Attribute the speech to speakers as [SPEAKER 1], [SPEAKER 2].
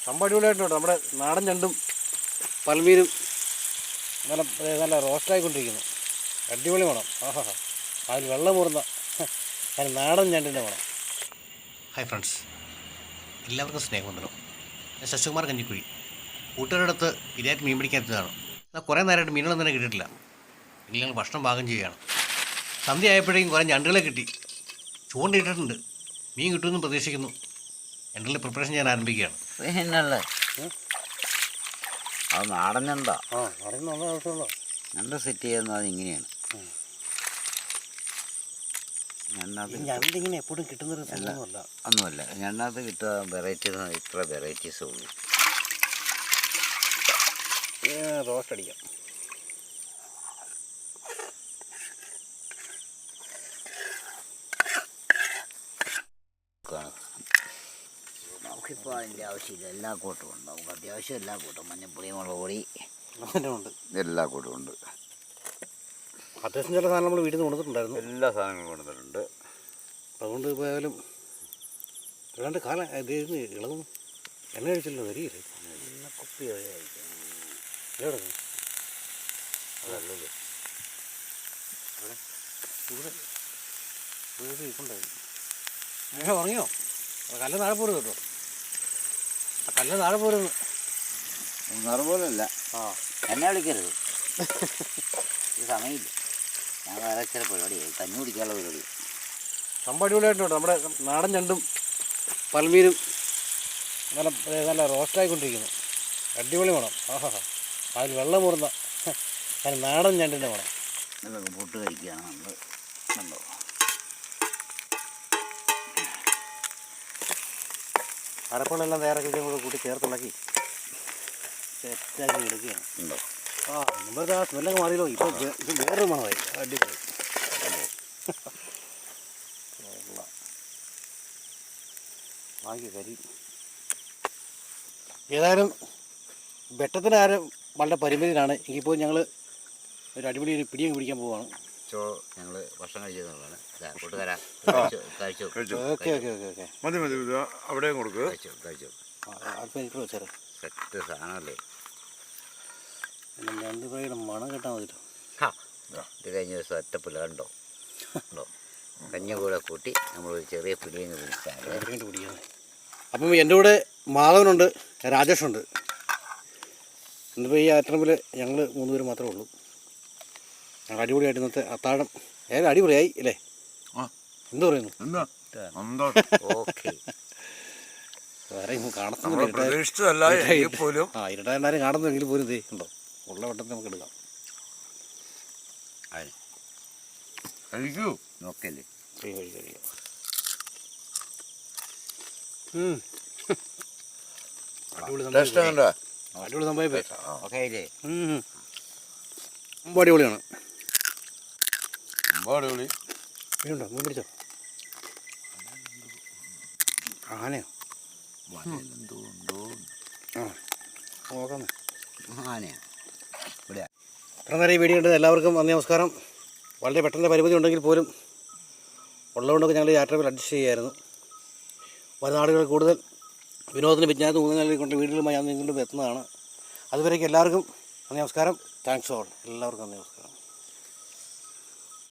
[SPEAKER 1] സംഭവം അടിപൊളിയായിട്ടുണ്ട്. നമ്മുടെ നാടൻ ഞണ്ടും പൽമീനും നല്ല നല്ല റോസ്റ്റായിക്കൊണ്ടിരിക്കുന്നു. അടിപൊളി വേണം. ആഹാ, അതിൽ വെള്ളം മൂറുന്ന അതിന് നാടൻ ഞണ്ടിൻ്റെ വേണം. ഹായ് ഫ്രണ്ട്സ്, എല്ലാവർക്കും സ്നേഹവന്ദനം. ഞാൻ ശശികുമാർ കഞ്ഞിക്കുഴി. കൂട്ടുകാരുടെ അടുത്ത് ഇതായിട്ട് മീൻ പിടിക്കാത്തതാണ്. എന്നാൽ കുറേ നേരമായിട്ട് മീനുകളൊന്നും തന്നെ കിട്ടിയിട്ടില്ല. ഇനി ഞങ്ങൾ ഭക്ഷണം പാകം ചെയ്യുകയാണ്. സന്ധ്യ ആയപ്പോഴേക്കും കുറേ ഞണ്ടുകളെ കിട്ടി. ചൂണ്ടിട്ടിട്ടുണ്ട്. മീൻ കിട്ടുമെന്ന് പ്രതീക്ഷിക്കുന്നു. ഞണ്ടുകളുടെ പ്രിപ്പറേഷൻ ഞാൻ ആരംഭിക്കുകയാണ്.
[SPEAKER 2] പിന്നല്ലേ അത് നാടൻ ഞണ്ടാ.
[SPEAKER 1] നാടൻ നല്ല ആവശ്യമുള്ള
[SPEAKER 2] ഞണ്ട് സെറ്റ് ചെയ്യുന്നത് ഇങ്ങനെയാണ്.
[SPEAKER 1] ഞണ്ടിങ്ങനെ എപ്പോഴും കിട്ടുന്നൊരു സംഭവമല്ല.
[SPEAKER 2] ഒന്നുമല്ല, ഞണ്ടകത്ത് കിട്ടുക വെറൈറ്റീസ് ഇത്ര വെറൈറ്റീസേ ഉള്ളൂ.
[SPEAKER 1] റോസ്റ്റ് അടിക്കാം.
[SPEAKER 2] നമുക്കിപ്പോൾ അതിൻ്റെ ആവശ്യമില്ല. എല്ലാ കൂട്ടവും ഉണ്ട്. നമുക്ക് അത്യാവശ്യം എല്ലാ കൂട്ടവും മഞ്ഞപ്പൊടി, മുളക് പൊടി
[SPEAKER 1] ഉണ്ട്,
[SPEAKER 2] എല്ലാ കൂട്ടവും ഉണ്ട്.
[SPEAKER 1] അത്യാവശ്യം ചില സാധനം നമ്മൾ വീട്ടിൽ നിന്ന് കൊടുത്തിട്ടുണ്ടായിരുന്നു.
[SPEAKER 2] എല്ലാ സാധനങ്ങളും കൊടുത്തിട്ടുണ്ട്.
[SPEAKER 1] അതുകൊണ്ട് പോയാലും ഏതാണ്ട് കാലം ഇതായിരുന്നു. ഇളകും എണ്ണ കഴിച്ചല്ലോ, വരികയില്ലേ
[SPEAKER 2] എല്ലാം കുപ്പി കഴിക്കാം.
[SPEAKER 1] എവിടെ
[SPEAKER 2] അതല്ലത്
[SPEAKER 1] ഇവിടെ വീട് ഇപ്പുണ്ടായിരുന്നു. അങ്ങനെ ഉറങ്ങിയോ? കല്ല് താഴെ പോരുത് കേട്ടോ. ആ കല്ല് താഴെ പോരുന്നു.
[SPEAKER 2] നിർബോധമല്ല. എന്നെ വിളിക്കരുത്. ഈ സമയമില്ല. ഞാൻ വേറെ ചില പരിപാടിയായി. കഞ്ഞി കുടിക്കാനുള്ള പരിപാടി.
[SPEAKER 1] സംഭവം അടിപൊളിയായിട്ടുണ്ട്. നമ്മുടെ നാടൻ ഞണ്ടും പൽമീനും നല്ല നല്ല റോസ്റ്റായിക്കൊണ്ടിരിക്കുന്നു. അടിപൊളി വേണം. ആഹാ, അതിൽ വെള്ളം മൂറുന്ന അതിന് നാടൻ ഞണ്ടിൻ്റെ വേണം.
[SPEAKER 2] ഇതൊക്കെ പൊട്ട് കഴിക്കുകയാണ് നമ്മൾ. കണ്ടോ,
[SPEAKER 1] അരപ്പുകളെല്ലാം തയ്യാറാക്കി കൂടെ കൂട്ടി ചേർത്തുണ്ടാക്കി സെറ്റാക്കി എടുക്കുകയാണ്.
[SPEAKER 2] ഉണ്ടോ?
[SPEAKER 1] മുമ്പത്തെ ആ സ്മെല്ലൊക്കെ മാറിയല്ലോ. ഇപ്പോൾ ഇത് വേറൊരു മണമായി. അടിപൊളി. വാങ്ങി കരി. ഏതായാലും വെട്ടത്തിന് ആരും വളരെ പരിമിതിയിലാണ്. എങ്കിപ്പോൾ ഞങ്ങൾ ഒരു അടിപൊളി ഒരു പിടിയും പിടിക്കാൻ പോവുകയാണ്.
[SPEAKER 2] ഞങ്ങൾ ഭക്ഷണം കഴിച്ചതാണ് കൂട്ടുകാരാ.
[SPEAKER 1] ഓക്കെ ഓക്കെ ഓക്കെ ഓക്കെ
[SPEAKER 3] മതി മതി, അവിടെ കൊടുക്കുക.
[SPEAKER 2] കഴിച്ചു.
[SPEAKER 1] അല്പം എനിക്ക് വെച്ചാറ്
[SPEAKER 2] സെറ്റ് സാധനമല്ലേ.
[SPEAKER 1] രണ്ട് പേരുടെ മണം കേട്ടാൽ മതിട്ടോ.
[SPEAKER 2] ഇത് കഴിഞ്ഞ ദിവസം ഒറ്റപ്പില്ല കണ്ടോ ഉണ്ടോ. കഞ്ഞി കൂടെ കൂട്ടി നമ്മൾ ചെറിയ പിടിയങ്ങ്
[SPEAKER 1] പിടിക്കാൻ. അപ്പം എൻ്റെ കൂടെ മാധവനുണ്ട്, രാജേഷുണ്ട്. ഇന്നിപ്പോൾ ഈ ആറ്ററമ്പിൽ ഞങ്ങൾ 3 പേര് മാത്രമേ ഉള്ളൂ. ഞങ്ങൾ അടിപൊളിയായിട്ട് ഇന്നത്തെ അത്താഴം ഏതായാലും അടിപൊളിയായി അല്ലേ? എന്ത് പറയുന്നു?
[SPEAKER 2] ഓക്കെ.
[SPEAKER 1] വേറെ കാണുന്നില്ല. ഇരുട്ടായിരുന്നാലും കാണുന്നെങ്കിൽ പോലും ഇതേ ഉണ്ടോ ഉള്ള വട്ടത്തിൽ നമുക്ക് എടുക്കാം.
[SPEAKER 2] കഴിക്കൂ നോക്കല്ലേ.
[SPEAKER 1] കഴിക്കാം. അടിപൊളി സംഭവം. അടിപൊളിയാണ്. മീനുണ്ടോ? മീൻ പിടിച്ചോ? ആനയോ? നോക്കാന്നേ. ഇത്ര നേരം ഈ വീഡിയോ ഉണ്ട്. എല്ലാവർക്കും നന്ദി, നമസ്കാരം. വളരെ പെട്ടെന്ന് പരിമിതി ഉണ്ടെങ്കിൽ പോലും ഉള്ളതുകൊണ്ടൊക്കെ ഞങ്ങൾ യാത്രയിൽ അഡ്ജസ്റ്റ് ചെയ്യുമായിരുന്നു. വരുന്ന നാടുകൾ കൂടുതൽ വിനോദത്തിന് വിജ്ഞാനത്തിന് ഊന്നൽ കൊണ്ട് വീടുകളുമായി ഞാൻ നിങ്ങളുടെ എത്തുന്നതാണ്. അതുവരേക്കും എല്ലാവർക്കും നന്ദി, നമസ്കാരം. Thanks all. എല്ലാവർക്കും നന്ദി, നമസ്കാരം.